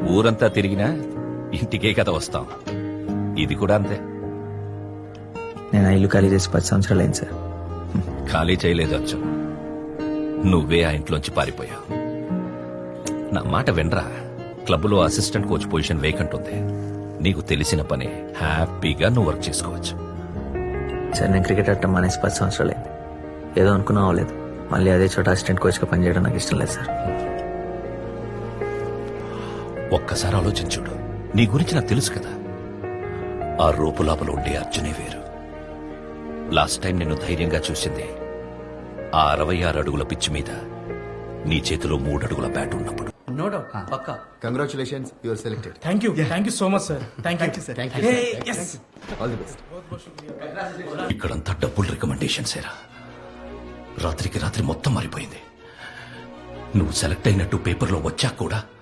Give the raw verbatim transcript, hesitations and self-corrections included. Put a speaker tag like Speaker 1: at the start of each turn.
Speaker 1: ఊరంతా తిరిగినా ఇంటికే కదా వస్తాం. ఇది కూడా అంతే.
Speaker 2: నేను ఆ ఇల్లు ఖాళీ చేసి పది సంవత్సరాలు అయింది సార్.
Speaker 1: ఖాళీ చేయలేదు అచ్చు, నువ్వే ఆ ఇంట్లోంచి పారిపోయావు. నా మాట వినరా, క్లబ్లో అసిస్టెంట్ కోచ్ పొజిషన్ వేకెంట్ ఉంది. నీకు తెలిసిన పని హ్యాపీగా నువ్వు వర్క్ చేసుకోవచ్చు.
Speaker 2: సార్ నేను క్రికెట్ ఆడటం మానేసి పది సంవత్సరాలు అయింది. ఏదో అనుకున్నా అవ్వలేదు. మళ్ళీ అదే చోట అసిస్టెంట్ కోచ్గా పనిచేయడం నాకు ఇష్టం లేదు సార్.
Speaker 1: ఒక్కసారి ఆలోచించుడు, నీ గురించి నాకు తెలుసు కదా. ఆ రూపులాపలు ఉండే అర్జునే వేరు. లాస్ట్ టైం నిన్ను ధైర్యంగా చూసింది ఆ అరవై ఆరు అడుగుల పిచ్చి మీద నీ చేతిలో మూడు అడుగుల బ్యాట్ ఉన్నప్పుడు.
Speaker 3: నో డౌట్ పక్కా.
Speaker 4: Congratulations, you are selected.
Speaker 3: Thank you thank you so much sir. Thank you sir.
Speaker 4: All the best.
Speaker 1: ఇక్కడంతా డబ్బుల్ రికమెండేషన్స్ ఏరా. రాత్రికి రాత్రి మొత్తం మారిపోయింది. నువ్వు సెలెక్ట్ అయినట్టు పేపర్లో వచ్చాక కూడా